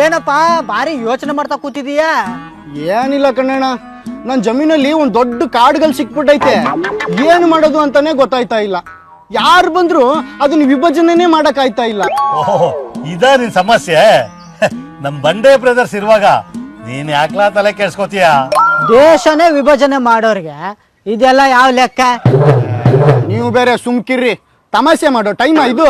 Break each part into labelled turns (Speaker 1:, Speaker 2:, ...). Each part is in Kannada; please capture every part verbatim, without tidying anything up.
Speaker 1: ಏನಪ್ಪಾ ಭಾರಿ ಯೋಚನೆ ಮಾಡ್ತಾ ಕೂತಿದೀಯಾ?
Speaker 2: ಏನಿಲ್ಲ ಕಣ್ಣಣ್ಣ, ನನ್ ಜಮೀನಲ್ಲಿ ಒಂದ್ ದೊಡ್ಡ ಕಾಡುಗಳು ಸಿಕ್ಬಿಟ್ಟೈತೆ. ಏನು ಮಾಡೋದು ಅಂತಾನೆ ಗೊತ್ತಾಯ್ತಾ ಇಲ್ಲ. ಯಾರು ಬಂದ್ರು ಅದನ್ನ ವಿಭಜನೆನೇ ಮಾಡಕ್ ಆಯ್ತಾ ಇಲ್ಲ.
Speaker 3: ಓಹೋ, ಇದ ನಿನ್ ಸಮಸ್ಯೆ. ನಮ್ ಬಂಡೆ ಬ್ರದರ್ಸ್ ಇರುವಾಗ ನೀನ್ ಯಾಕ್ಲಾ ತಲೆ ಕೆಡ್ಸ್ಕೊತೀಯ?
Speaker 1: ದೇಶನೇ ವಿಭಜನೆ ಮಾಡೋರ್ಗೆ ಇದೆಲ್ಲ ಯಾವ ಲೆಕ್ಕ?
Speaker 2: ನೀವು ಬೇರೆ ಸುಮ್ಕಿರ್ರಿ, ತಮಾಷೆ ಮಾಡೋ ಟೈಮ್ ಇದು.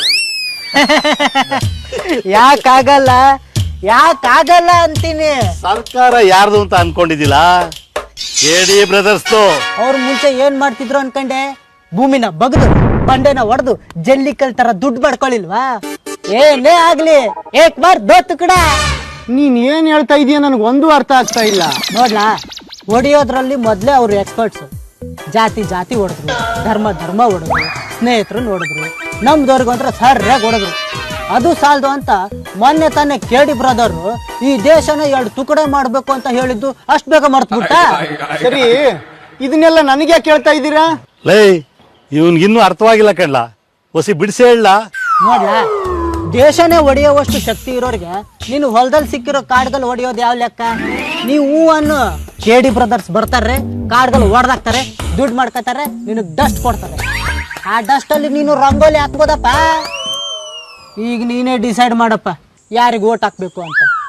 Speaker 1: ಯಾಕಾಗಲ್ಲ ಯಾಕಾಗಲ್ಲ ಅಂತೀನಿ.
Speaker 3: ಸರ್ಕಾರ ಯಾರ್ದು ಅಂತ ಅನ್ಕೊಂಡಿದ್ದಿಲ್ಲ, ಕೆಡಿ ಬ್ರದರ್ಸ್.
Speaker 1: ಅವ್ರ ಮುಂಚೆ ಏನ್ ಮಾಡ್ತಿದ್ರು ಅನ್ಕಂಡೆ? ಭೂಮಿನ ಬಗ್ದು ಬಂಡೆನ ಒಡೆದು ಜಲ್ಲಿಕಲ್ ತರ ದುಡ್ಡು ಪಡ್ಕೊಳ್ಳಿಲ್ವಾ? ಏನೇ ಆಗ್ಲಿ ಏಕ್ ಬಾರ್ ದೋ ತುಕಡ.
Speaker 2: ನೀನ್ ಏನ್ ಹೇಳ್ತಾ ಇದೀಯ ನನಗೆ ಒಂದು ಅರ್ಥ ಆಗ್ತಾ ಇಲ್ಲ.
Speaker 1: ನೋಡ್ಲಾ, ಹೊಡಿಯೋದ್ರಲ್ಲಿ ಮೊದ್ಲೇ ಅವ್ರು ಎಕ್ಸ್ಪರ್ಟ್ಸ್. ಜಾತಿ ಜಾತಿ ಹೊಡೆದ್ರು, ಧರ್ಮ ಧರ್ಮ ಹೊಡೆದ್ರು, ಸ್ನೇಹಿತರನ್ನ ಹೊಡೆದ್ರು, ನಮ್ದವ್ರಿಗಂತ್ರ ಸರ್ಯಾಗಿ ಹೊಡೆದ್ರು. ಅದು ಸಾಲದು ಅಂತ ಮೊನ್ನೆ ತಾನೇ ಕೆಡಿ ಬ್ರದರ್ ಈ ದೇಶನ ಎರಡು ತುಕಡೆ ಮಾಡ್ಬೇಕು ಅಂತ ಹೇಳಿದ್ದು ಅಷ್ಟ್ ಬೇಗ ಮರ್ತ್ಬಿಟ್ಟ.
Speaker 2: ಸರಿ, ಇದನ್ನೆಲ್ಲ ನನಗೆ ಕೇಳ್ತಾ ಇದ್ದೀರಾ?
Speaker 3: ಲೈ, ಇವನ್ಗಿನ್ನೂ ಅರ್ಥವಾಗಿಲ್ಲ ಕಣ್ಲ, ಹೊಸಿ ಬಿಡಿಸಿ ಹೇಳ.
Speaker 1: ನೋಡ್ಲಾ, ದೇಶನೇ ಹೊಡೆಯುವಷ್ಟು ಶಕ್ತಿ ಇರೋರಿಗೆ ನೀನು ಹೊಲದಲ್ಲಿ ಸಿಕ್ಕಿರೋ ಕಾಡ್ಗಳು ಹೊಡೆಯೋದು ಯಾವ ಲೆಕ್ಕ? ನೀವು ಹೂ ಅನ್ನು ಕೆಡಿ ಬ್ರದರ್ಸ್ ಬರ್ತಾರೆ, ಕಾಡ್ಗಳು ಹೊಡೆದಾಕ್ತಾರೆ, ದುಡ್ಡು ಮಾಡ್ಕೊತಾರೆ, ನಿನಗ್ ಡಸ್ಟ್ ಕೊಡ್ತಾರೆ. ಆ ಡಸ್ಟ್ ಅಲ್ಲಿ ನೀನು ರಂಗೋಲಿ ಹಾಕ್ಬೋದಪ್ಪ. ಈಗ ನೀನೇ ಡಿಸೈಡ್ ಮಾಡಪ್ಪ ಯಾರಿಗೆ ಓಟ್ ಹಾಕ್ಬೇಕು ಅಂತ.